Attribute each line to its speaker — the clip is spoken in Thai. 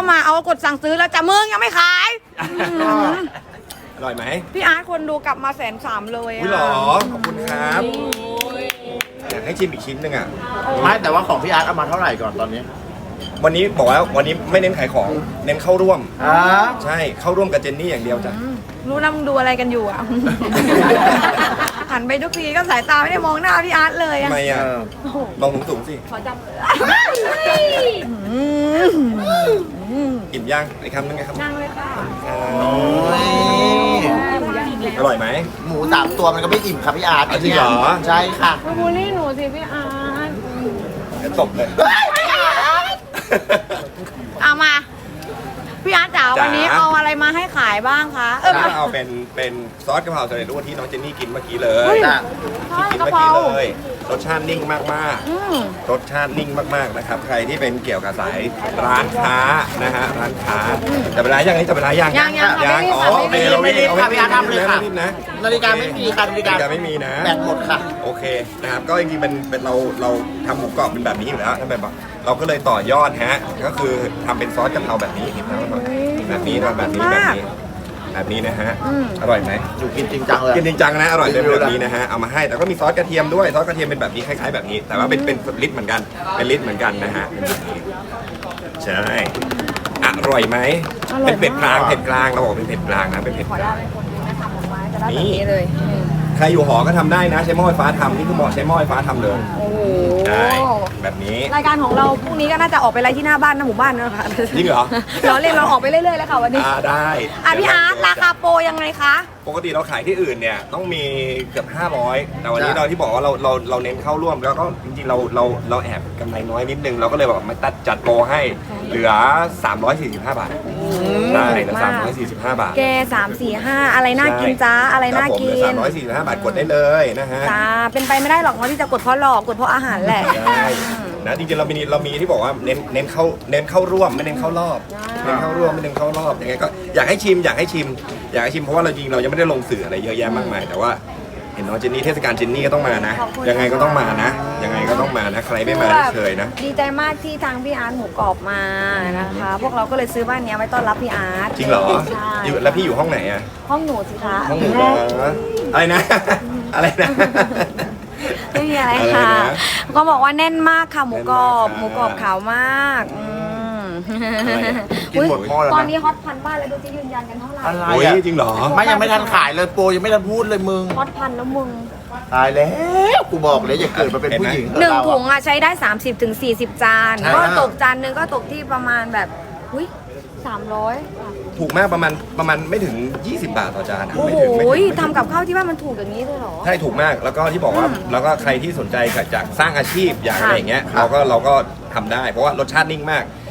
Speaker 1: มาเอากดสั่งซื้อแล้วจะมึงยังไม่ขาย
Speaker 2: อร่อยไหม
Speaker 1: พี่อาร์ตคนดูกลับมา130,000เลย
Speaker 2: อุ้ยหรอขอบคุณครับอยากให้ชิมอีกชิ้นหนึงอ่ะ
Speaker 3: ไม่แต่ว่าของพี่อาร์ตเอามาเท่าไหร่ก่อนตอนนี้
Speaker 2: วันนี้บอกว่าวันนี้ไม่เน้นขายของเน้นเข้าร่วม
Speaker 3: อ่า
Speaker 2: ใช่เข้าร่วมกับเจนนี่อย่างเดียวจ้ะ
Speaker 1: รู้นะมึงดูอะไรกันอยู่อ่ะ หันไปทุกทีก็สายตาไม่ได้มองหน้าพี่อาร์ตเลย
Speaker 2: ทำ
Speaker 1: อ่ะ
Speaker 2: ไมอ่ะมองสูงๆสิ
Speaker 1: ขอจำ
Speaker 2: อิ่มย่างอีกคำนึงไงครับ
Speaker 1: นั่งเลยค่ะ
Speaker 3: โอ้ย
Speaker 2: อร่อยไหม
Speaker 3: หมู3 ตัวมันก็ไม่อิ่มครับพี่อาร์ต
Speaker 2: จริงเหรอ
Speaker 3: ใช่ค่ะ
Speaker 1: มาบูลลี่หนูสิพี่อาร์ต
Speaker 2: เดี๋ยวตบเลย
Speaker 1: เอามา พี่อาร์ตจ๋า
Speaker 2: จ๋า
Speaker 1: วันนี้เอาอะไรมาให้ขายบ้างคะ
Speaker 2: ก็เอาเป็นซอสกะเพราสำเร็จรูปที่น้องเจนนี่กินเมื่อกี้เลย
Speaker 3: จ้ะ
Speaker 2: ที่กิน
Speaker 1: กะ
Speaker 2: เมื่อ
Speaker 1: เพรา
Speaker 2: กี้เลยรสชาตินิ่งมาก
Speaker 1: อืม
Speaker 2: ๆรสชาตินิ่งมากๆนะครับใครที่เป็นเกี่ยวกับสายร้านค้านะฮะร้านค้าจะเป็นร้านยังจะเป็นร้านยัง
Speaker 1: ยังค่ะ
Speaker 2: ยัง
Speaker 1: ไม่รีบ
Speaker 2: อ๋อ
Speaker 1: ค่ะ
Speaker 2: โอเค
Speaker 3: ไม่รีบ
Speaker 2: เรา
Speaker 3: ค่ะพี่อาร์ตทำเลยค่ะ
Speaker 2: ไม่รีบนะ
Speaker 3: นาฬิกาไม่มีค่ะนาฬิกา
Speaker 2: ไม่มีนะ
Speaker 3: แบตหมดค่ะ
Speaker 2: โอเคนะครับก็จริงๆเป็นเราทำหมูกรอบเป็นแบบนี้อยู่แล้วถ้าแบบเราก็เลยต่อยอดฮะก็คือทำเป็นซอสกะเพราแบบนี้แบบนี้แบบนี้นะฮะอร่อยไหม
Speaker 3: อยู่กินจริงจังเลย
Speaker 2: กินจริงจังนะอร่อยเป็นแบบนี้นะฮะเอามาให้แต่ก็มีซอสกระเทียมด้วยซอสกระเทียมเป็นแบบนี้คล้ายๆแบบนี้ แต่ว่าเป็นลิตรเหมือนกันเป็นลิตรเหมือนกันนะฮะใช่อร่อยไหมเป็นเผ็ดกลางเราบอกเป็นเผ็ดกลางนะเป็นเผ็ด
Speaker 1: ขอก
Speaker 2: ลา
Speaker 1: ได้
Speaker 2: ง
Speaker 1: เป็นคนที่ทำออกมาจะได้แบบนี้เลย
Speaker 2: ใครอยู่หอก็ทำได้นะใช้หม้อไฟฟ้าทำนี่คือเหมาะใช้หม้อไฟฟ้าทำเลย
Speaker 1: โอ้โห
Speaker 2: ใช่แบบนี้
Speaker 1: รายการของเราพรุ่งนี้ก็น่าจะออกไปไล่ที่หน้าบ้านหน้าหมู่บ้านนะคะ
Speaker 2: จริงเหรอ
Speaker 1: เราเล่นเราออกไปเรื่อยๆเลยค่ะวันนี้
Speaker 2: ได้
Speaker 1: พี่อาร์ตราคาโปรยังไงคะ
Speaker 2: ปกติเราขายที่อื่นเนี่ยต้องมีเกือบ500แต่วันนี้เราที่บอกว่าเราเน้นเข้าร่วมแล้วก็จริงๆเราแอบกำไรน้อยนิดนึงเราก็เลยแบบมาตัดจัดโปรให้เหลือ345 บาทได้เหลือ345 บาท
Speaker 1: แก3-4-5อะไรน่ากินจ้าอะไรน่ากิน
Speaker 2: 345 บาทกดได้เลยนะฮะ
Speaker 1: จ้าเป็นไปไม่ได้หรอกว่าที่จะกดเพราะหลอกกดเพราะอาหารแหละ
Speaker 2: ได้นะจริงๆเรามีที่บอกว่าเน้นเข้าร่วมไม่เน้นเข้ารอบเน้นเข้าร่วมไม่เน้นเข้ารอบยังไงก็อยากให้ชิมเพราะว่าเราจริงเรายังไม่ได้ลงสื่ออะไรเยอะแยะมากมายแต่ว่าเห็นน้องเจนนี่เทศกาลเจนนี่ก็ต้องมานะ
Speaker 1: ขอบคุณ
Speaker 2: ยังไงก็ต้องมานะยังไงก็ต้องมานะใครไม่มาไม่เคยนะ
Speaker 1: ดีใจมากที่ทางพี่อาร์ตหมูกรอบมานะคะ พวกเราก็เลยซื้อบ้านเนี้ยไว้ต้อนรับพี่อาร์ต
Speaker 2: จริงเหรอ
Speaker 1: ใช่
Speaker 2: อยู่แล้วพี่อยู่ห้องไหนอะ
Speaker 1: ห้องหนูสิคะ
Speaker 2: ห้องหนูเหรออะไรนะ อะไรนะ
Speaker 1: ไม่มีอะไร
Speaker 2: อะไร
Speaker 1: ค่ะ
Speaker 2: นะ
Speaker 1: ก็บอกว่าแน่นมากค่ะหมูกรอบ
Speaker 2: แน่นมากค่ะ
Speaker 1: หมูกรอบขาวมาก
Speaker 2: อะไรอะกินหมดหม้อแล้วนะ
Speaker 1: ตอนนี้ฮอตพันบ้านเลยดูจะยืนยันกันเท่าไหร่
Speaker 3: อะไร
Speaker 2: โอ้ย
Speaker 3: อ่ะ
Speaker 2: จริงเหรอ
Speaker 3: ไม่ยังไม่ทันขายเลยโปรยังไม่ทันพูดเลยมึง
Speaker 1: ฮอตพันแล้วมึง
Speaker 3: ตายแล้วกูบอกเลยอย่าเกิดมาเป็นผู้หญิง
Speaker 1: หนึ่ง
Speaker 3: เรา
Speaker 1: ถุ
Speaker 3: อะ
Speaker 1: งอ่ะใช้ได้ 30-40 จาน
Speaker 2: ใช่
Speaker 1: ก็ตกจานหนึงก็ตกที่ประมาณแบบอุ้ย300อ่ะ
Speaker 2: ถูกมากประมาณไม่ถึง 20 บาทต่อจานอะ
Speaker 1: โอ้
Speaker 2: ไม่
Speaker 1: โห
Speaker 2: ถึงไม่ถึง
Speaker 1: ทำกับข้าวที่บ้านมันถูกอย่างนี้เลยเหรอ
Speaker 2: ใช่ถูกมากแล้วก็ที่บอกว่าแล้วก็ใครที่สนใจอยากสร้างอาชีพอยากอะไรอย่างเงี้ย
Speaker 3: ค่ะ
Speaker 2: เราก็ทำได้ เพราะว่ารสชาตินิ่งมาก